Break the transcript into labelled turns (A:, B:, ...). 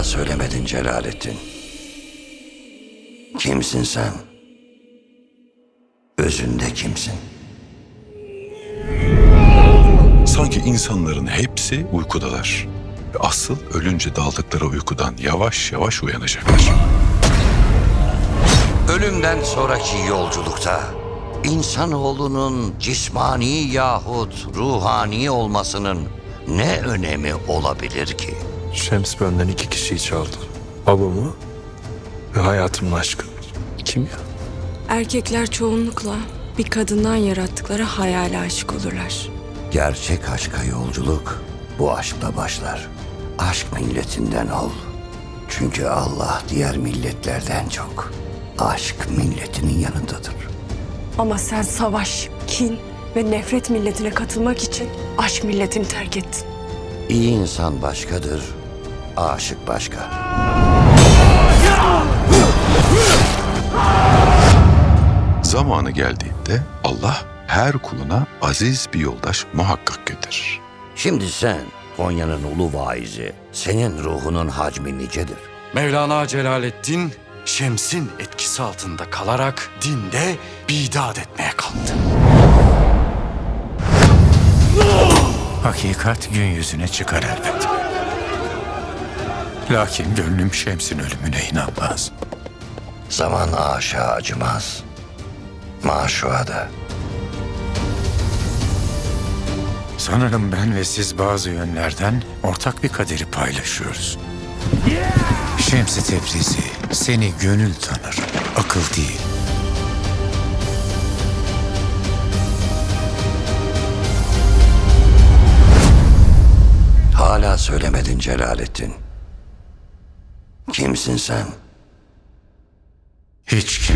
A: Hala söylemedin Celalettin. Kimsin sen? Özünde kimsin?
B: Sanki insanların hepsi uykudalar. Ve asıl ölünce daldıkları uykudan yavaş yavaş uyanacaklar.
A: Ölümden sonraki yolculukta insanoğlunun cismani yahut ruhani olmasının ne önemi olabilir ki?
C: Şems benden 2 kişiyi çaldı. Babamı ve hayatımın aşkı. Kim ya?
D: Erkekler çoğunlukla bir kadından yarattıkları hayale aşık olurlar.
A: Gerçek aşka yolculuk bu aşkla başlar. Aşk milletinden ol. Çünkü Allah diğer milletlerden çok aşk milletinin yanındadır.
D: Ama sen savaş, kin ve nefret milletine katılmak için aşk milletini terk ettin.
A: İyi insan başkadır, aşık başka.
B: Zamanı geldiğinde Allah her kuluna aziz bir yoldaş muhakkak gönderir.
A: Şimdi sen Konya'nın ulu vaizi, senin ruhunun hacmi nicedir?
E: Mevlana Celaleddin, Şems'in etkisi altında kalarak dinde bidat etmeye kalktı.
F: Hakikat gün yüzüne çıkar elbet. Lakin gönlüm Şems'in ölümüne inanmaz.
A: Zaman aşağı acımaz, maşuğa da.
F: Sanırım ben ve siz bazı yönlerden ortak bir kaderi paylaşıyoruz. Şems-i Tebrizi seni gönül tanır, akıl değil.
A: Hala söylemedin Celalettin. Kimsin sen?
F: Hiç